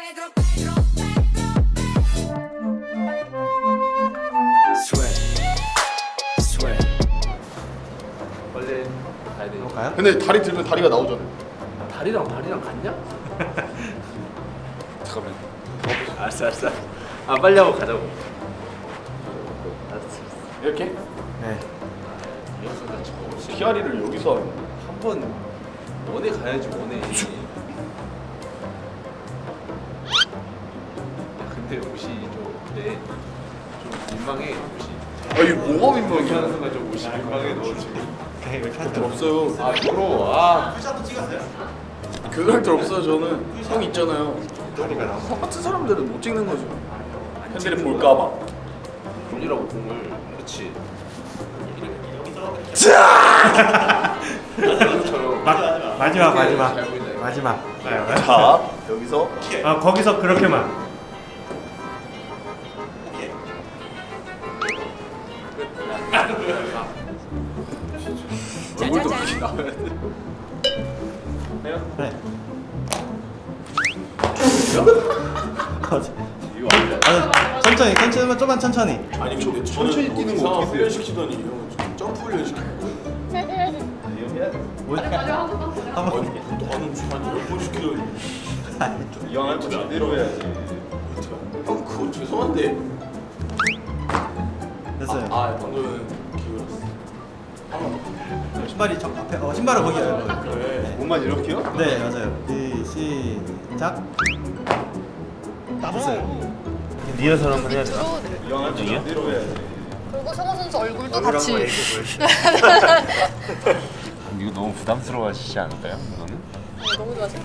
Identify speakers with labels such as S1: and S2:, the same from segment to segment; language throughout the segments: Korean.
S1: 원래 가야 돼.
S2: 가요?
S3: 근데 다리 들면 다리가 나오잖아.
S1: 다리랑 같냐?
S3: 잠깐만.
S1: 알았어. 아 빨리 하고 가자고. 알았어.
S3: 이렇게?
S2: 네.
S3: 피아리를 여기서 하는
S1: 한번 원에 가야지 원에. 야 근데 옷이 좀 그래. 좀 민망해 옷이.
S3: 아 이게 뭐가
S1: 이렇게 하는
S3: 민망해?
S1: 순간 좀 옷이 민망해 너 지금.
S2: 오케이 이렇게
S3: 들 없어요.
S1: 아 부러워. 아.
S3: 교육할 때 없어요 저는. 형 있잖아요. 형 같은 사람들은 못 찍는 거죠. 팬들이 볼까봐.
S1: 공이라고 공을. 그렇지.
S2: 마지막.
S3: 자 여기서
S2: 아 거기서 그렇게만.
S3: 얼굴도 그렇게 나와야 돼.
S2: 네.
S1: 이거 아니야.
S2: 아, 천천히 좀만 천천히.
S3: 아니 근데 천천히 뛰는 거 어떻게 훈련시키더니 형은 지금 점프 훈련시키고
S2: 한번
S3: 너는 한 10번 시키더니 이왕 할거 제대로 해야지. 형 그거 죄송한데.
S2: 됐어요.
S3: 아 방금은 기울었어.
S2: 신발이 저 앞에 신발을 거기요.
S3: 그래. 몸만 이렇게요?
S2: 네 맞아요. 시작. 됐어요.
S4: 리허설 한번 해야 되나?
S3: 이왕 할거 제대로 해야지.
S5: 그리고 성호 선수 얼굴도 같이.
S4: 이거 너무 부담스러워하시지 않을까요? 이거는?
S5: 너무 좋아하세요.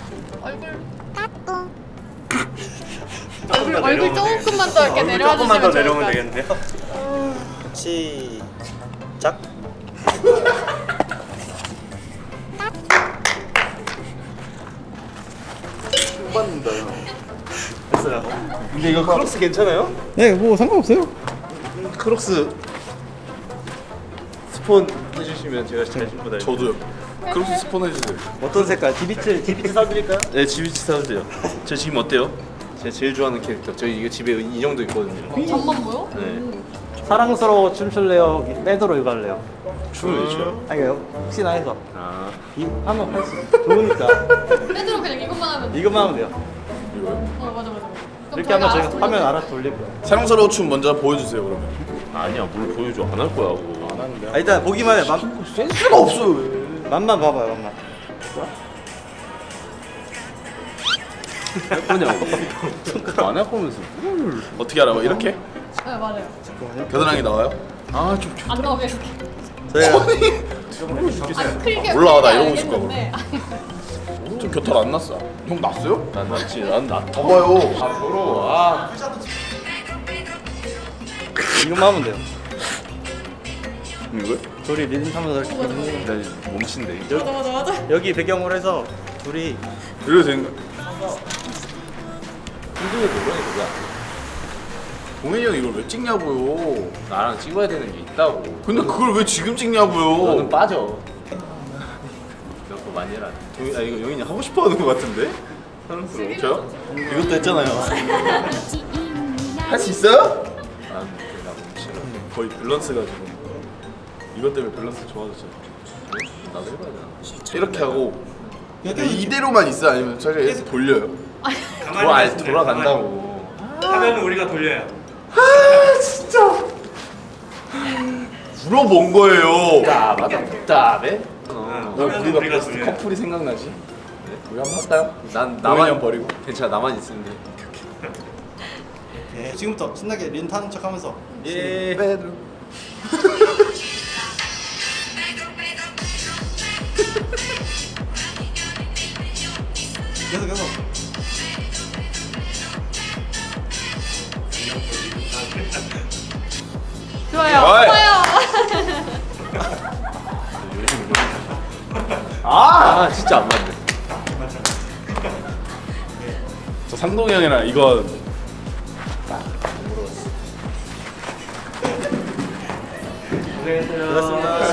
S5: 얼굴 조금만 더 이렇게 내려와 주시면 좋을
S2: 되겠는데요? 시작.
S3: 총 받는다 형.
S2: 됐어요.
S1: 근데 이거 크록스 괜찮아요?
S2: 네, 뭐 상관없어요.
S1: 크록스 스폰 해주시면 제가 잘 신고 다닐게요.
S3: 저도요. 그렇게 스폰 해주세요.
S2: 어떤 색깔? 디비트 사드릴까요?
S1: 네, 지비치 사주세요. 저 지금 어때요? 제가 제일 좋아하는 캐릭터. 저희 이거 집에 인형도 있거든요.
S5: 잠만 보여?
S1: 네.
S2: 사랑스러워 춤출래요? 빼도록 이거 할래요?
S1: 춤을 왜 춰요?
S2: 아니요 혹시나 해서
S1: 아,
S2: 이 하면 할수 좋으니까
S5: 빼드로 그냥 이것만 하면 돼.
S2: 이거만 하면 돼요.
S3: 이거요?
S5: 맞아. 그럼
S2: 이렇게 하면
S5: 저희가
S2: 저희가 화면 알아서 돌릴 거예요.
S3: 사랑스러운 춤 먼저 보여주세요 그러면.
S1: 아니야, 뭘 보여줘. 안 할 거야, 그거.
S3: 안 하는데.
S2: 아, 일단 보기만 해.
S3: 센스가 없어 왜?
S2: 맛만 봐봐요, 맛만.
S1: 할 거냐고. 안 할 거면서 뭘.
S3: 어떻게 알아봐? 이렇게?
S5: 네 맞아요.
S3: 겨드랑이 나와요? 아 좀.
S5: 안 나오게 이렇게.
S2: 저희가
S5: 아 크게.
S3: 몰라, 나 이러고
S5: 크게
S3: 있을 거야,
S5: 알겠는데.
S3: 좀 겨털 안 났어. 형 났어요?
S1: 난 났지, 난 났다.
S3: 봐봐요.
S1: 아, 부러워. 아.
S2: 이것만 하면 돼요.
S3: 이거?
S2: 둘이 리듬 타면서 이렇게
S1: 나 몸친데.
S5: 맞아.
S2: 여기 배경으로 해서 둘이
S3: 이래도 되는 거야?
S1: 힘들게 노력이 뭐야?
S3: 동현이 형 이걸 왜 찍냐고요?
S1: 나랑 찍어야 되는 게 있다고.
S3: 근데 그걸 왜 지금 찍냐고요?
S1: 너는 빠져. 너 그거 많이 해라. 아, 이거 영인이 하고 싶어 하는 거 같은데? 사랑스러워.
S3: 저요? 이것도 했잖아요. 할 수 있어요?
S1: 난 몸치라.
S3: 거의 밸런스가 지금. 이것 때문에 밸런스 좋아졌어요.
S1: 나도 해봐야 되나?
S3: 이렇게 하고 이대로만 있어 아니면 차라리 계속 돌려요?
S1: 돌아간다고.
S2: 하면 우리가 돌려요.
S3: 물어본 거예요.
S1: 답답해?
S3: 우리가 커플이 생각나지? 우리 한번 할까요?
S1: 난
S3: 동현이
S1: 나만
S3: 형 버리고.
S1: 괜찮아, 나만 있으면 돼.
S2: 예, 지금부터 신나게 리듬 타는 척하면서
S1: 예.
S2: 계속.
S5: 좋아요.
S3: 어이.
S5: 좋아요.
S1: 아, 진짜 안 맞네.
S3: 저 상동이 형이랑 이거
S2: 고생했어요.